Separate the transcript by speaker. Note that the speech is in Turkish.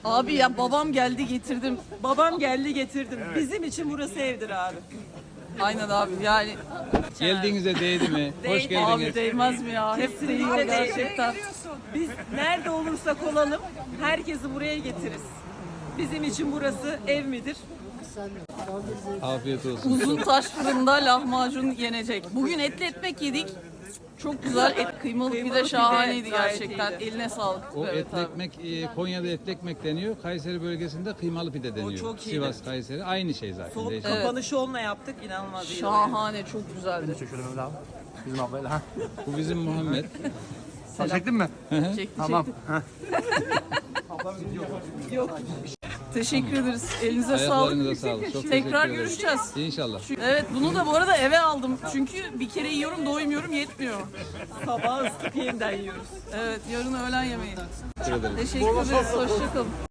Speaker 1: Abi ya babam geldi getirdim.
Speaker 2: Babam geldi getirdim. Bizim için burası evdir abi.
Speaker 1: Aynen abi yani.
Speaker 3: Geldiğinize değdi mi? Hoş
Speaker 1: Abi
Speaker 3: geldiniz.
Speaker 1: değmez mi ya? Hep değiyor gerçekten.
Speaker 2: Biz nerede olursak olalım herkesi buraya getiririz. Bizim için burası ev midir?
Speaker 3: Afiyet olsun.
Speaker 1: Uzun taş fırında lahmacun yenecek. Bugün etli ekmek yedik. Çok güzel et, kıymalı pide
Speaker 2: pide
Speaker 1: şahaneydi
Speaker 2: gayet
Speaker 1: gerçekten.
Speaker 2: iyiydi.
Speaker 1: Eline sağlık.
Speaker 3: O
Speaker 1: Evet
Speaker 3: etli
Speaker 1: abi.
Speaker 3: ekmek, Konya'da etli ekmek deniyor. Kayseri bölgesinde kıymalı pide deniyor.
Speaker 2: çok iyiydi.
Speaker 3: Sivas, Kayseri aynı şey zaten.
Speaker 2: Soğuk
Speaker 3: Değişmez.
Speaker 2: kapanışı onunla yaptık. İnanılmaz iyi.
Speaker 1: Şahane, çok güzeldi.
Speaker 4: Şöyle Mehmet abi. Bizim ablayla ha.
Speaker 3: Bu bizim Muhammed.
Speaker 4: Sen çektin mi?
Speaker 1: Çekti
Speaker 4: Tamam.
Speaker 1: Yok. Teşekkür ederiz. Elinize
Speaker 3: Ayaklarınıza
Speaker 1: sağlık.
Speaker 3: sağlık. Çok
Speaker 1: Tekrar
Speaker 3: teşekkür ederim.
Speaker 1: görüşeceğiz.
Speaker 3: İnşallah.
Speaker 1: Evet bunu da bu arada eve aldım. Çünkü bir kere yiyorum doymuyorum yetmiyor.
Speaker 2: Sabah ısıtıp yeniden yiyoruz.
Speaker 1: Evet yarın öğlen yemeği.
Speaker 3: Teşekkür ederim.
Speaker 1: Teşekkür ederiz. Hoşçakalın.